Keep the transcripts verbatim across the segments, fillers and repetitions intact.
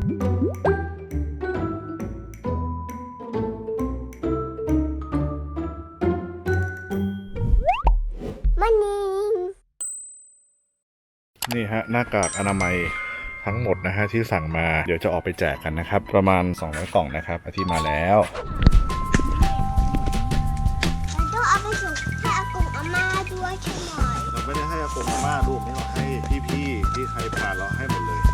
มันนี่นี่ฮะหน้ากากอนามัยทั้งหมดนะฮะที่สั่งมาเดี๋ยวจะออกไปแจกกันนะครับประมาณสองร้อยกล่องนะครับอาทิตย์มาแล้วเราต้องเอาไปส่งให้อากงอาม่าด้วยใช่ไหมเราไม่ได้ให้อากงอาม่าลูกนี่เราให้พี่ๆที่ใครผ่านเราให้หมดเลย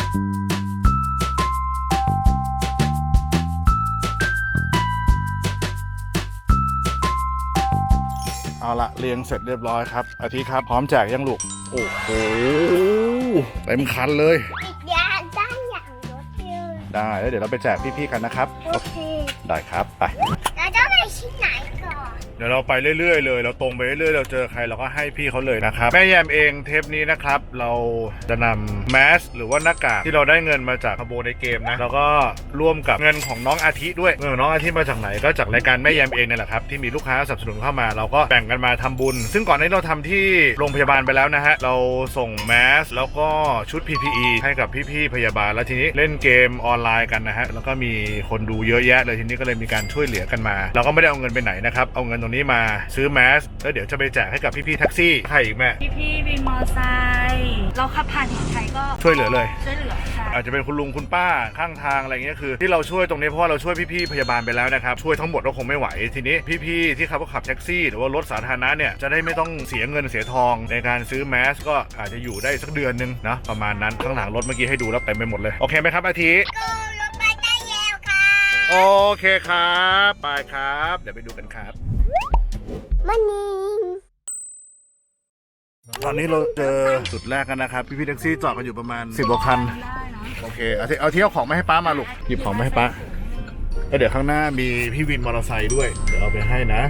เอาละเรียงเสร็จเรียบร้อยครับอาทิตย์ครับพร้อมแจกยังลูกโอ้โหเต็มคันเลยอีกอย่างด้านอย่างรถเยอะได้แล้วเดี๋ยวเราไปแจกพี่ๆกันนะครับโอเคได้ครับไปเราต้องไปที่ไหนก่อนเดี๋ยวเราไปเรื่อยๆเลยเราตรงไปเรื่อยๆเราเจอใครเราก็ให้พี่เขาเลยนะครับแม่แยมเองเทปนี้นะครับเราจะนำแมสหรือว่าหน้ากากที่เราได้เงินมาจากขโมยในเกมนะแล้วก็ร่วมกับเงินของน้องอาทิด้วยเงินของน้องอาทิมาจากไหนก็จากรายการแม่แยมเองนี่แหละครับที่มีลูกค้าสนับสนุนเข้ามาเราก็แบ่งกันมาทำบุญซึ่งก่อนนี้เราทำที่โรงพยาบาลไปแล้วนะฮะเราส่งแมสแล้วก็ชุด พี พี อี ให้กับพี่ๆพยาบาลแล้วทีนี้เล่นเกมออนไลน์กันนะฮะแล้วก็มีคนดูเยอะแยะเลยทีนี้ก็เลยมีการช่วยเหลือกันมาเราก็ไม่ได้เอาเงินไปไหนนะครับเอาเงินตรงนี้มาซื้อแมสแล้วเดี๋ยวจะไปแจกให้กับพี่ๆแท็กซี่ใครอีกแม่พี่ๆวินมอเตอร์ไซค์เราขับผ่านเห็นใครก็ช่วยเหลือเลยช่วยเหลือค่ะอาจจะเป็นคุณลุงคุณป้าข้างทางอะไรเงี้ยคือที่เราช่วยตรงนี้เพราะว่าเราช่วยพี่ๆพยาบาลไปแล้วนะครับช่วยทั้งหมดก็คงไม่ไหวทีนี้พี่ๆที่ขับขับแท็กซี่หรือว่ารถสาธารณะเนี่ยจะได้ไม่ต้องเสียเงินเสียทองในการซื้อแมสก็อาจจะอยู่ได้สักเดือนนึงนะประมาณนั้นข้างหลังรถเมื่อกี้ให้ดูแล้วเต็มไปหมดเลยโอเคไหมครับอาทิก็รถไปได้แล้วค่ะโอเคครับไปครับเดี๋ยวไปดูกันครับมันนี่ตอนนี้เราเจอจุดแรกกันนะครับพี่ๆแท็กซี่จอดกันอยู่ประมาณสิบกว่าคันโอเคเอาที่เอาที่เอาของมาให้ป้ามาลูกหยิบของมาให้ป้าแล้วเดี๋ยวข้างหน้ามีพี่วินมอเตอร์ไซค์ด้วยเดี๋ยวเอาไปให้นะ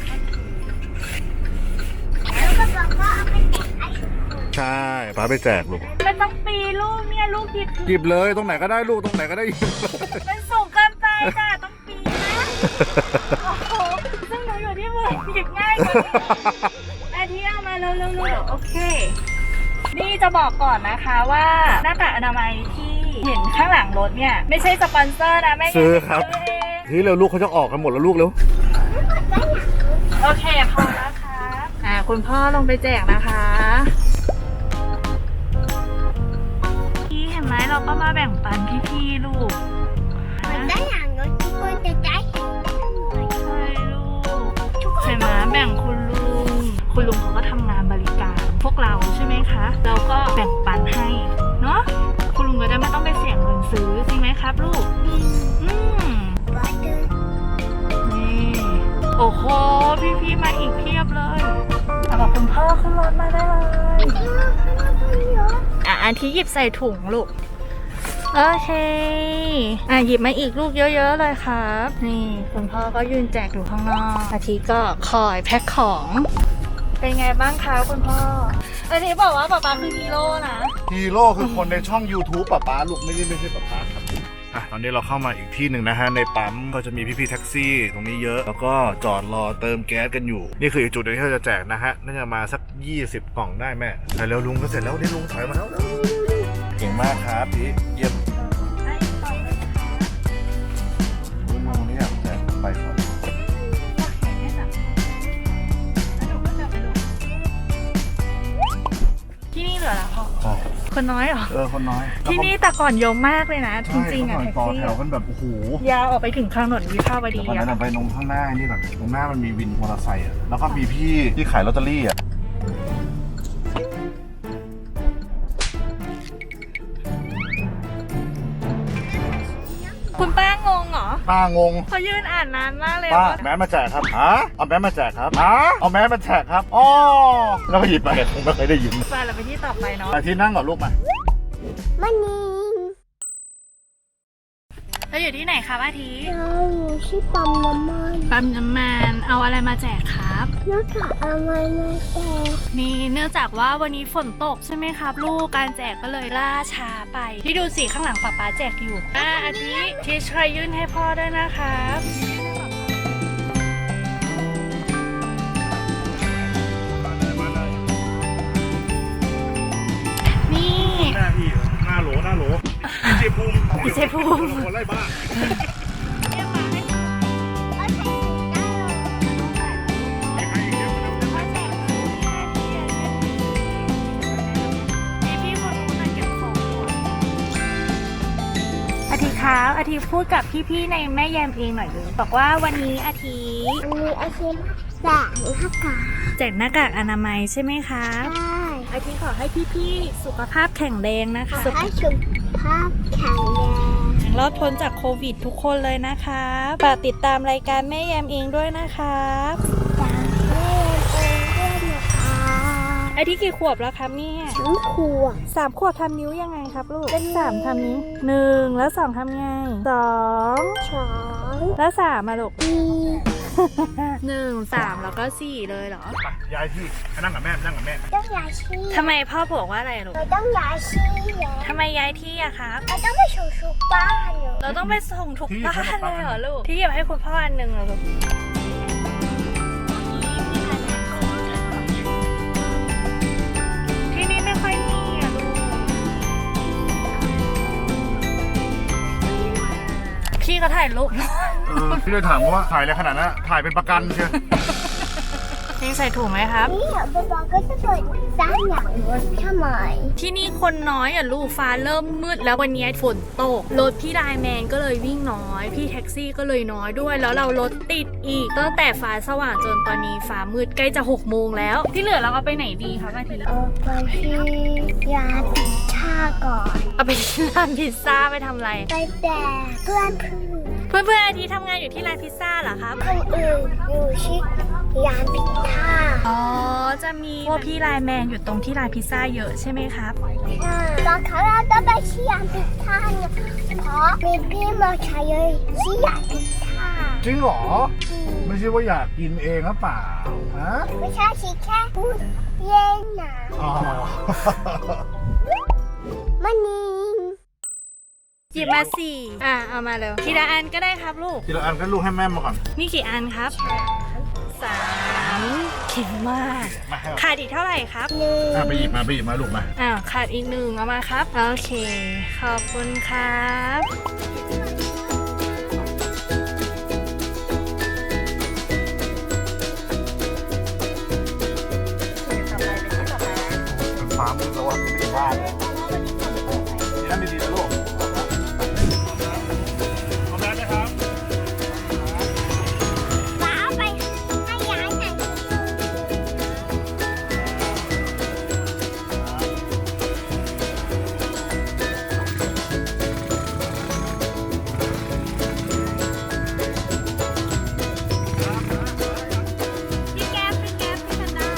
แล้วก็บอกว่าเอาไปแจกไอ้ใช่ป้าไปแจกลูกมันต้องปีลูกเนี่ยลูกหยิบหยิบเลยตรงไหนก็ได้ลูกตรงไหนก็ได้มันสูงเกินไปจ้ะต้องปีนะโอ้โหซึ่งหนูอยู่ที่มือหยิบง่ายกว่าอาทิเอามาเร็วๆโอเคนี่จะบอกก่อนนะคะว่าหน้ากากอนามัยที่เห็นข้างหลังรถเนี่ยไม่ใช่สปอนเซอร์นะแม่ซื้อครับทีเร็วลูกเขาจะออกกันหมดแล้วลูกเร็วโอเคพอแล้วค่ะอ่าคุณพ่อลงไปแจกนะคะพี่เห็นไหมเราก็มาแบ่งปันพี่ๆลูกมันได้อย่างรถทุกคนจะได้เห็นใช่ลูกเห็นไหมแบ่งคุณลุงคุณลุงเขาก็ทำงานบริการพวกเราใช่ไหมคะเราก็แบ่งปันให้เนาะคุณลุงก็ได้ไม่ต้องไปเสียเงินซื้อจริงไหมครับลูกอืมนี่โอ้โหพี่ๆมาอีกเพียบเลยเอาบอกคุณพ่อขึ้นรถมาได้เลยอ่ะอันที่หยิบใส่ถุงลูกโอเคอ่ะหยิบมาอีกลูกเยอะๆเลยครับนี่คุณพ่อก็ยืนแจกอยู่ข้างนอกอาทิก็คอยแพ็คของเป็นไงบ้างคะคุณพ่ออาทิบอกว่าป๊าป๊าคือฮีโร่นะฮีโร่คือคนในช่อง YouTube ป๊าป๊าลูกไม่ได้ไม่ใช่ป๊าป๊าครับอ่ะตอนนี้เราเข้ามาอีกที่หนึ่งนะฮะในปั๊มก็จะมีพี่ๆแท็กซี่ตรงนี้เยอะแล้วก็จอดรอเติมแก๊สกันอยู่นี่คืออีกจุดนึงที่เราจะแจกนะฮะน่าจะมาสักยี่สิบกล่องได้แม่แต่แล้วลุงก็เสร็จแล้วนี่ลุงถอยมาแล้วเก่งมากครับพี่เยี่ยมลุงนี่อยากแจกไปก่อนที่นี่เหลือแล้วพ่อคนน้อยเหรอเออคนน้อยที่นี่แต่ก่อนเยอะมากเลยนะจริงๆอ่ะแท็กซี่ต่อแถวกันแบบโอ้โหยาวออกไปถึงถนนวิภาวดีอ่ะไปตรงข้างหน้านี่แบบตรงหน้ามันมีวินมอเตอร์ไซค์อ่ะแล้วก็มีพี่ที่ขายลอตเตอรี่อ่ะคุณป้างงเหรอป้างงเขายืนอ่านนานมากเลยป้าแม่มาแจกครับฮะเอาแม่มาแจกครับฮะเอาแม่มาแจกครับอ๋อแล้วก็หยิบไปคงไม่เคยได้ยินไปเราไปที่ต่อไปเนาะไปที่นั่งก่อนลูกมามันนี่เราอยู่ที่ไหนครับอาทิเราอยู่ที่ปั๊มน้ำมันปั๊มน้ำมันเอาอะไรมาแจกครับหน้ากากอนามัยมาแจกนี่เนื่องจากว่าวันนี้ฝนตกใช่ไหมครับลูกการแจกก็เลยล่าช้าไปที่ดูสิข้างหลังป๊าป๊าแจกอยู่อ่ะอาทิที่ช่วยยื่นให้พ่อด้วยนะครับนี่หน้าพี่หน้าโหลหน้าโหลพี่เจภูมิพี่เจภูมิคนไล่บ้าอาทิครับอาทิพูดกับพี่ๆในแม่แยมเองหน่อยเลยบอกว่าวันนี้อาทิอันนี้อาชีพแบกหน้ากากแจกหน้ากากอนามัยใช่ไหมครับใช่อาทิขอให้พี่ๆสุขภาพแข็งแรงนะคะให้สุขภาพแข็งแรงรอดพ้นจากโควิดทุกคนเลยนะครับฝากติดตามรายการแม่แยมเองด้วยนะครับจากแม่เองด้วยนะคะอาทิกี่ขวบแล้วครับเนี่ยทั้งขวบสามขวบทำนิ้วยังไงครับลูกเลขสามทำนี้หนึ่งแล้วสองทำไงสองสองแล้วสามมาลูกสี่หนึ่งสามแล้วก็สี่เลยเหรอไปย้ายที่ให้นั่งกับแม่นั่งกับแม่ต้องย้ายที่ทำไมพ่อบอกว่าอะไรลูกเราต้องย้ายที่แล้วทำไมย้ายที่อะครับเราต้องไปสู่ชุกบ้านเหรอเราต้องไปส่งทุกบ้านเลยเหรอลูกที่หยิบให้คุณพ่ออันหนึ่งเหรอลูกที่นี่ไม่ค่อยมีอะลูกพี่ก็ถ่ายรูปเออพี่เลยถามว่าถ่ายอะไรขนาดนั้นถ่ายเป็นประกันเชียวพี่ใส่ถุงไหมครับนี่เหรอบอลก็จะเปิดด้านอย่างรถทำไมที่นี่คนน้อยอ่ะลูกฟ้าเริ่มมืดแล้ววันนี้ฝนตกรถพี่ไลน์แมนก็เลยวิ่งน้อย พี่แท็กซี่ก็เลยน้อยด้วย แล้วเรารถติดอีกตั้งแต่ฟ้าสว่างจนตอนนี้ฟ้ามืดใกล้จะหกโมงแล้ว ที่เหลือเราเอาไปไหนดีครับอาทิตย์เอาไปที่ร้านพิซซ่าก่อนเอาไปที่ร้านพิซซ่าไปทำอะไรไปแบกเพื่อนเพื่อนเพื่อนๆอาทิตย์ทำงานอยู่ที่ร้านพิซซ่าเหรอครับคนอื่นอยู่ที่ร้านพิซซ่าอ๋อจะมีพวกพี่ไลน์แมนอยู่ตรงที่ร้านพิซซ่าเยอะใช่ไหมครับตอนเขาเราต้องไปที่ร้านพิซซ่าเนี่ยเพราะมีพี่มาใช้เลยที่ร้านพิซซ่าจริงเหรอไม่ใช่ว่าอยากกินเองหรือเปล่าฮะไม่ใช่ชิแค่พูดเล่นนะอ๋อมันนี่หยิบมาสี่อ่ะเอามาเร็วทีละอันก็ได้ครับลูกทีละอันก็ลูกให้แม่มาก่อนนี่กี่อันครับสามเข็มมากมาให้ขาดอีกเท่าไหร่ครับหนึ่งอ่ะไปหยิบมาไปหยิบมาลูกมาอ้าวขาดอีกหนึ่งเอามาครับ โอเค ขอบคุณครับฟ้ามืดแล้วว่าไม่ได้บ้านเลยนี่นั่นดีๆนะลูกพร้อมแล้วนะครับฟ้าไปให้ย้ายไหนพี่แก๊ปพี่แก๊ปพี่ธันดา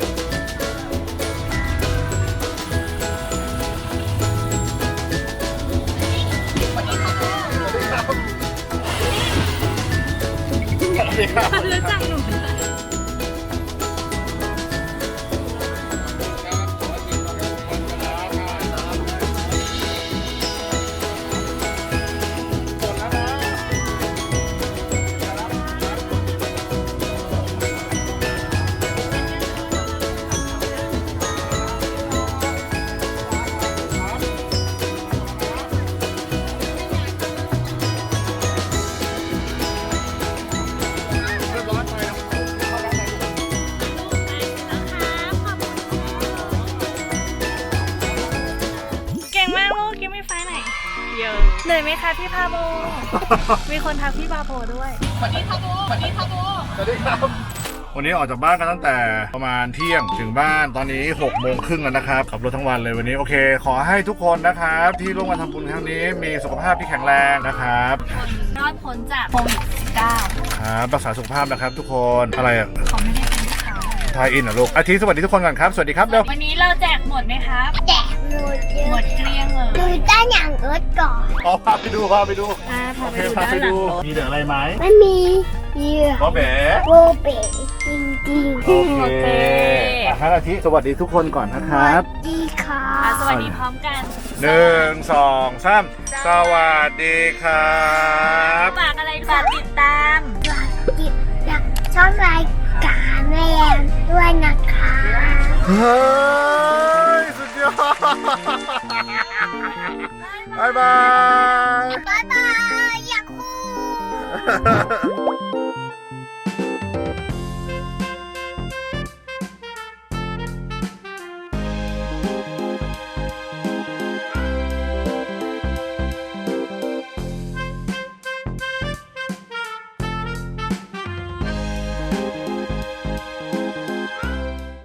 รู้จักหนูเก่งมากลูกยังไม่ไฟไหนเยอะเหนื่อยไหมคะพี่พาโบ มีคนทักพี่พาโบด้วยสวัสดีพาโบสวัสดีพาโบสวัสดีครับวันนี้ออกจากบ้านกันตั้งแต่ประมาณเที่ยงถึงบ้านตอนนี้หกโมงครึ่งแล้วนะครับขับรถทั้งวันเลยวันนี้โอเค ขอให้ทุกคนนะครับที่ร่วมกันทำบุญครั้งนี้มีสุขภาพที่แข็งแรงนะครับรอดพ้นจากโควิดสิบเก้าครับรักษาสุขภาพนะครับทุกคนอะไรอ่ะเขาไม่ได้เป็นข่าวทายอินเหรอลูกอาทิตย์สวัสดีทุกคนก่อนครับสวัสดีครับเร็ววันนี้เราแจกหมดไหมครับแจกหมดเยหมอะดเกลี้ยงเลยดูด้านหลังรถก่อนอ๋อพาไปดูพาไปดูอ่าพาโอไปเคดูพาด้านไปหลัดูงรถมีเหลืออะไรไหมมันมีเหยื่อก็แบ๋โบเบจริงโอเคอ่ะครับอาทิตย์สวัสดีทุกคนก่อนนะครับๆดีค่ะอ่ะสวัสดีพร้อมกันหนึ่งสองสามสวัสดีครับฝากอะไรฝากติดตามฝากติดตามช่องรายการแม่แอมด้วยนะคะเฮ้ยสุดยอดบายบายบ๊ายบายอยากคู